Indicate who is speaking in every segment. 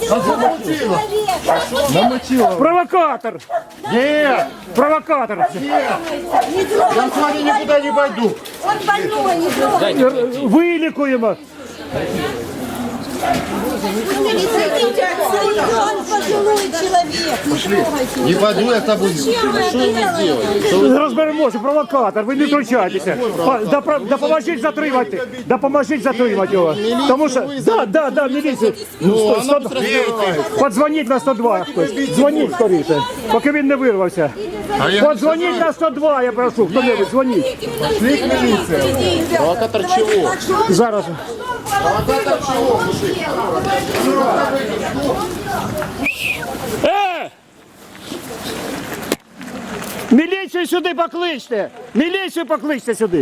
Speaker 1: Провокатор!
Speaker 2: Нет!
Speaker 1: Провокатор!
Speaker 2: Я с вами никуда не пойду.
Speaker 3: Он больной, не трогай.
Speaker 1: Вилікуємо!
Speaker 3: Он пожилой человек, не трогайте.
Speaker 2: Не пойду я с тобой.
Speaker 1: Розберемося, провокатор, ви не втручайтеся. Допоможіть затримати. Допоможіть затримати його. Тому що, да, міліцію. Подзвоніть на 102 хтось. Дзвоніть скоріше, поки він не вирвався. Подзвоніть на 102, я прошу, хто-небудь, дзвоніть.
Speaker 2: Провокатор чего?
Speaker 1: Зараз.
Speaker 2: Провокатор чего, мужик?
Speaker 1: Міліцію сюди покличте! Міліцію покличте сюди!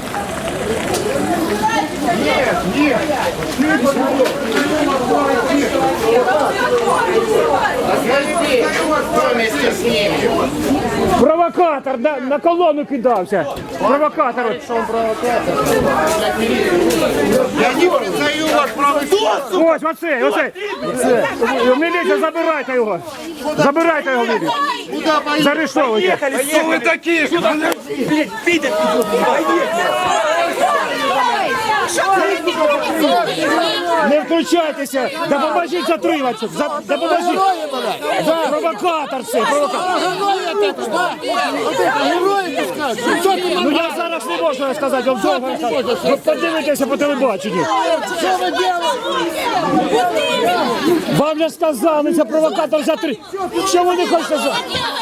Speaker 1: Провокатор на колону кидався. Провокатор.
Speaker 2: Я не признаю ваш правый.
Speaker 1: Ось, оце. Міліція, забирайте його. Забирайте його, міліцію. Заарештовуйте.
Speaker 2: Кто вы такие?
Speaker 1: Не втручайтеся! Допоможіть затриматися! Допоможіть! Да, провокатор це! Ну я зараз не можу розказати, вам довго розказати. Ви подивитеся по телебаченню. Вам не сказали, це провокатор затримати. Що ви не хочете за...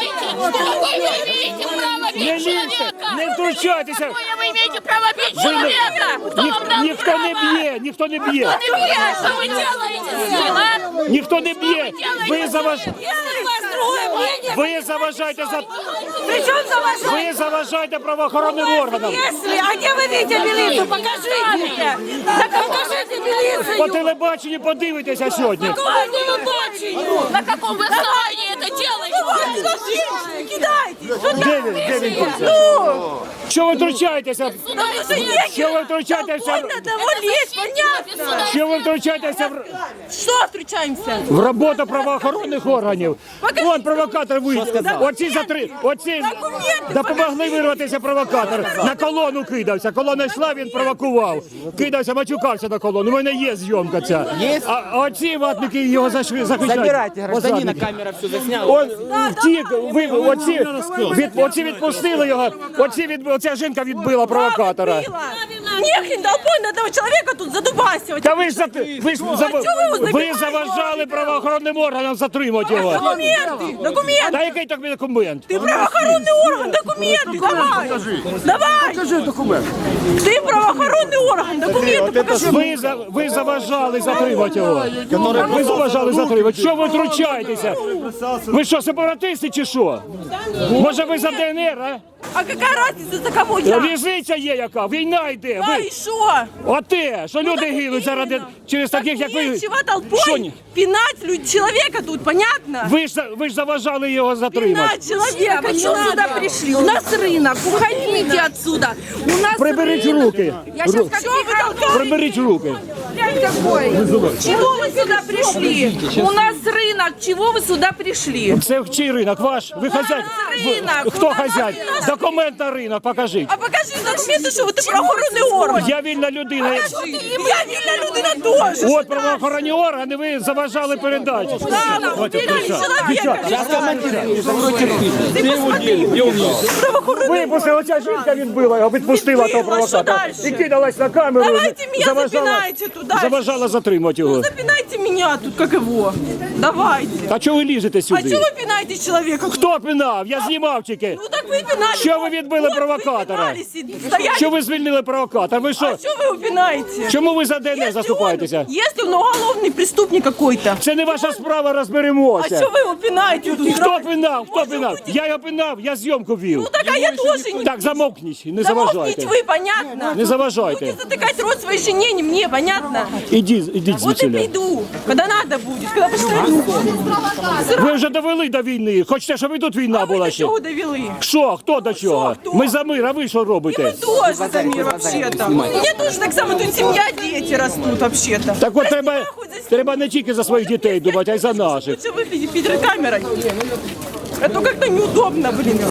Speaker 1: Не лізьте, не втручайтеся!
Speaker 4: Вы имеете право бить человека! Кто вам дал
Speaker 1: Ніхто не б'є, ніхто не б'є.
Speaker 4: Что вы делаете с ним, а?
Speaker 1: Ніхто не б'є. Ви заважаєте.
Speaker 4: Если у вас другое мнение,
Speaker 1: Ви заважаєте за...
Speaker 4: причем за ваше...
Speaker 1: Ви заважаєте правоохоронним органам.
Speaker 4: Если, а где вы видите милицию? Покажите! Так покажите милицию!
Speaker 1: По телебаченню подивитеся сьогодні.
Speaker 4: На каком вы основании это делаете? Кидайте!
Speaker 1: Де він тут? Що ви втручаєтеся? Що ви втручаєтеся?
Speaker 4: Одного лезть, понятно!
Speaker 1: Що ви втручаєтеся
Speaker 4: Что встречаемся?
Speaker 1: в роботу правоохоронних органів? Вон провокатор вийшов. Оці допомогли вирватися провокатор. На колону кидався. Колона йшла, він провокував. Кидався, мачукався на колону. У мене є зйомка ця. А оці ватники його захищають.
Speaker 5: Забирайте гражданина, камера все засняла.
Speaker 1: Он втік, оці відпустили його, оця жінка відбила провокатора.
Speaker 4: Нехрен долбой на этого человека тут задубасивать.
Speaker 1: Та ви заважали правоохоронним органам затримати його.
Speaker 4: Документы! Документы!
Speaker 1: Та який так документ?
Speaker 4: Ты правоохоронный орган, документы, давай! Давай!
Speaker 2: Покажи документ.
Speaker 4: Ты правоохоронный орган, документы покажи!
Speaker 1: Ви заважали затримати його. Ви заважали затримати. Що ви втручаєтеся? Ви що, сепаратисти чи що? Може ви за ДНР, а?
Speaker 4: А какая разница, за кого я?
Speaker 1: Різниця є яка, війна йде.
Speaker 4: Да и шо?
Speaker 1: Оте, що люди гинуть заради через таких, як ви.
Speaker 4: Нечего
Speaker 1: Що
Speaker 4: толпой
Speaker 1: ні?
Speaker 4: пинать человека тут, понятно?
Speaker 1: Ви ж заважали його затримати.
Speaker 4: Пинать человека, что сюда пришли? У нас рынок, уходите отсюда. У нас
Speaker 1: Приберіть
Speaker 4: рынок.
Speaker 1: руки.
Speaker 4: Я сейчас как вы толкаете?
Speaker 1: Приберіть руки.
Speaker 4: Какой? Чего вы сюда пришли? У нас рынок, чего вы сюда пришли?
Speaker 1: Це чий ринок? Ваш? Ви хазяїн?
Speaker 4: ринок.
Speaker 1: Хто
Speaker 4: У нас
Speaker 1: хазяїн?
Speaker 4: ринок.
Speaker 1: Документ на ринок покажіть.
Speaker 4: А покажи документы, что ты правоохоронный орган.
Speaker 1: Я вільна людина.
Speaker 4: Я вільна людина теж.
Speaker 1: От правоохоронні органи, ви заважали передачу.
Speaker 4: Да, уберите человека.
Speaker 1: Випустили, оця жінка відбила його, відпустила того провокатора.
Speaker 4: дальше?
Speaker 1: І кидалась на камеру.
Speaker 4: Давайте меня запинайте туда.
Speaker 1: Заважала затримати його.
Speaker 4: Запинайте меня тут, как его. Давайте.
Speaker 1: А чого ви лізете
Speaker 4: А
Speaker 1: сюди?
Speaker 4: чего вы пинаете человека?
Speaker 1: Хто пинав? Я знімав тільки.
Speaker 4: Ну так вы пинали.
Speaker 1: Що ви відбили
Speaker 4: Вот
Speaker 1: провокатора?
Speaker 4: Вы пинали, стояли.
Speaker 1: Що ви звільнили провокатора? Ви
Speaker 4: А
Speaker 1: що?
Speaker 4: что вы его пинаете?
Speaker 1: Чому ви за ДНР заступаєтеся?
Speaker 4: Если он уголовный преступник какой-то.
Speaker 1: Це не ваша справа,
Speaker 4: А
Speaker 1: розберемося.
Speaker 4: что вы его пинаете тут?
Speaker 1: Хто пинав? Хто пинав? Я його пинав, я зйомку вів.
Speaker 4: Ну так а я тоже не...
Speaker 1: Так, замовкніть, не
Speaker 4: Замолкните
Speaker 1: заважайте.
Speaker 4: вы, понятно?
Speaker 1: Не заважайте.
Speaker 4: Будете затыкать рот своей жене, не мне, понятно?
Speaker 1: Ідіть
Speaker 4: Вот и
Speaker 1: звідси.
Speaker 4: приду, когда надо будет, когда почитаю.
Speaker 1: Ви вже довели до війни. Хочете, щоб і тут війна була
Speaker 4: До
Speaker 1: ще?
Speaker 4: чого довели?
Speaker 1: Що? Хто до чого?
Speaker 4: хто?
Speaker 1: Ми за мир, а ви що
Speaker 4: Мы
Speaker 1: робите?
Speaker 4: тоже за мир вообще-то. У меня тоже так само, тут семья, дети растут вообще-то.
Speaker 1: Так от
Speaker 4: Прости,
Speaker 1: треба,
Speaker 4: нахуй, за
Speaker 1: треба не тільки за своїх дітей думати, а й за наших.
Speaker 4: Лучше выглядеть перед камерой. А то как-то неудобно, блин.